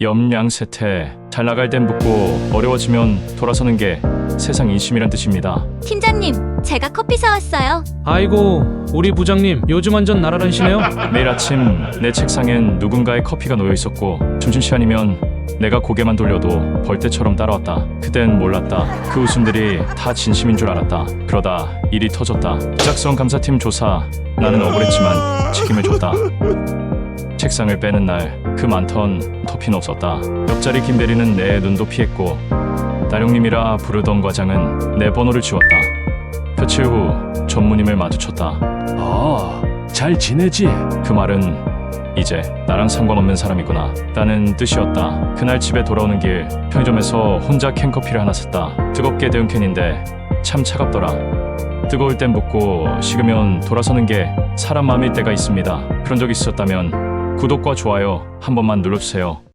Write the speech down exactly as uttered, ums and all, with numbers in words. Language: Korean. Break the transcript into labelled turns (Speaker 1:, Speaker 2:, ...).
Speaker 1: 염량세태. 잘 나갈 땐 붙고 어려워지면 돌아서는 게 세상 인심이란 뜻입니다.
Speaker 2: 팀장님, 제가 커피 사왔어요.
Speaker 3: 아이고, 우리 부장님 요즘 완전 날아다니시네요.
Speaker 1: 매일 아침 내 책상엔 누군가의 커피가 놓여 있었고 점심시간이면 내가 고개만 돌려도 벌떼처럼 따라왔다. 그땐 몰랐다. 그 웃음들이 다 진심인 줄 알았다. 그러다 일이 터졌다. 짝성 감사팀 조사. 나는 억울했지만 책임을 졌다. 책상을 빼는 날 그 많던 커피는 없었다. 옆자리 김대리는 내 눈도 피했고 나령님이라 부르던 과장은 내 번호를 지웠다. 며칠 후 전무님을 마주쳤다.
Speaker 4: 어, 잘 지내지?
Speaker 1: 그 말은 이제 나랑 상관없는 사람이구나 라는 뜻이었다. 그날 집에 돌아오는 길 편의점에서 혼자 캔커피를 하나 샀다. 뜨겁게 데운 캔인데 참 차갑더라. 뜨거울 땐 붓고 식으면 돌아서는 게 사람 마음일 때가 있습니다. 그런 적 있었다면 구독과 좋아요 한 번만 눌러주세요.